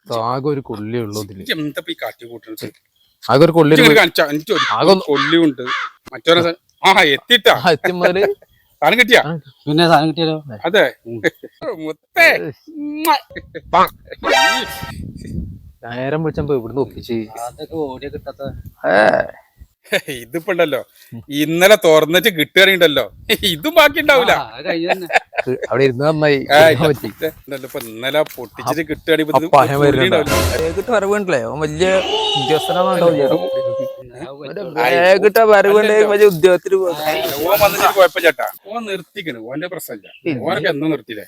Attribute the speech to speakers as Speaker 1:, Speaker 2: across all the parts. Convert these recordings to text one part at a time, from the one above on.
Speaker 1: ആകെ ഒരു കൊള്ളി ഉള്ളൂ ഇതില്.
Speaker 2: എന്താ ഈ കാട്ടിക്കൂട്ടുന്നത്?
Speaker 1: ആകെ ഒരു കൊള്ളി
Speaker 2: കൊള്ളിയുണ്ട് മറ്റൊരു എത്തിട്ടാ
Speaker 1: എത്തിമാര്
Speaker 2: സാധനം കിട്ടിയാ
Speaker 3: പിന്നെ സാധനം കിട്ടിയാലോ?
Speaker 2: അതെ മുത്തേ
Speaker 1: നേരം വിളിച്ചപ്പോ ഇവിടുന്ന് ഒപ്പിച്ച്
Speaker 3: അതൊക്കെ ഓടിയ കിട്ടാത്ത
Speaker 2: ഇതിപ്പോ ഉണ്ടല്ലോ ഇന്നലെ തുറന്നിട്ട് കിട്ടുകയാണെങ്കിണ്ടല്ലോ ഇതും ബാക്കി ഉണ്ടാവൂല.
Speaker 1: അവിടെ ഇരുന്ന് നന്നായി
Speaker 2: ഇപ്പൊ ഇന്നലെ പൊട്ടിച്ചിട്ട് കിട്ടുകയാണെങ്കിൽ
Speaker 1: വരവുണ്ടല്ലേ വലിയ ഉദ്യോഗസ്ഥനാണോ വലിയ ഉദ്യോഗത്തിന്
Speaker 2: ഓൻ വന്നിട്ട് കുഴപ്പം ചേട്ടാ ഓൻ നിർത്തിക്കണ് ഓന്റെ പ്രശ്നമില്ല ഓനൊക്കെ എന്നും നിർത്തിയില്ലേ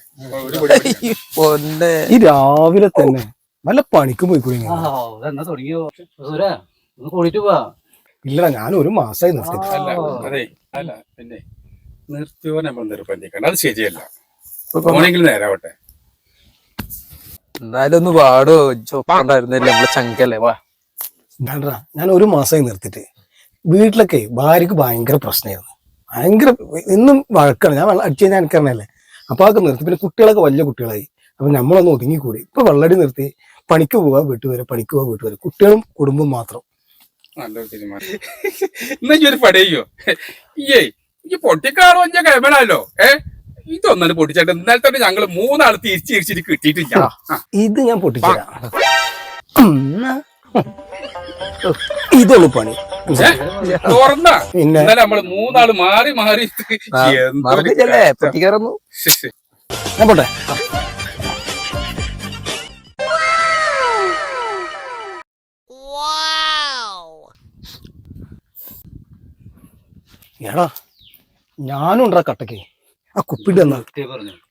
Speaker 4: ഈ രാവിലെ തന്നെ നല്ല പണിക്ക് പോയിക്കൂടി
Speaker 3: തുടങ്ങിയോ കൂടിട്ട് പോവാ.
Speaker 4: ഇല്ല ഞാൻ ഒരു മാസമായി നിർത്തി.
Speaker 2: അല്ല അതെ അല്ല പിന്നെ നിർത്തിയോ നമ്മൾ നിർബന്ധിക്കണം, അത് ശരിയല്ല. ഓണെങ്കിൽ നേരാവട്ടെ.
Speaker 1: എന്തായാലും ഒന്ന് പാടോ ചോണ്ടായിരുന്നില്ല നമ്മളെ ചങ്കല്ലേ വാ.
Speaker 4: ഞാൻ ഒരു മാസമായി നിർത്തിട്ട് വീട്ടിലൊക്കെ ഭാര്യക്ക് ഭയങ്കര പ്രശ്നമായിരുന്നു. ഭയങ്കര എന്നും വഴക്കാണ്. ഞാൻ അടിച്ചു കഴിഞ്ഞാൽ എനിക്കറിഞ്ഞല്ലേ. അപ്പൊ അതൊക്കെ നിർത്തി. പിന്നെ കുട്ടികളൊക്കെ വലിയ കുട്ടികളായി. അപ്പൊ നമ്മളൊന്ന് ഒതുങ്ങിക്കൂടി. ഇപ്പൊ വെള്ളടി നിർത്തി പണിക്ക് പോവാ വീട്ടു വരെ, പണിക്ക് പോവാ വീട്ടു വരെ, കുട്ടികളും കുടുംബം മാത്രം.
Speaker 2: നല്ലൊരു തീരുമാനം. എന്നാ ഒരു പടയോ ഈ പൊട്ടിക്കാണോ ഞാൻ കഴിയണല്ലോ. ഇതൊന്നും പൊട്ടിച്ചാട്ട് ഇന്നലെ തന്നെ ഞങ്ങള് 3 ആൾ തിരിച്ചിരിച്ചിട്ട് കിട്ടിയിട്ടില്ല.
Speaker 4: ഇത് ഞാൻ പൊട്ടിച്ചരാം. ഇതുള്ളു പണി
Speaker 2: തുറന്ന ഇന്നലെ നമ്മള് 3 ആള് മാറി മാറി
Speaker 1: പൊട്ടിക്കാറന്നു.
Speaker 4: ഞാൻ പോട്ടെ. എടാ ഞാനും ഉണ്ടാ കട്ടക്ക് ആ കുപ്പിന്റെ
Speaker 3: പറഞ്ഞു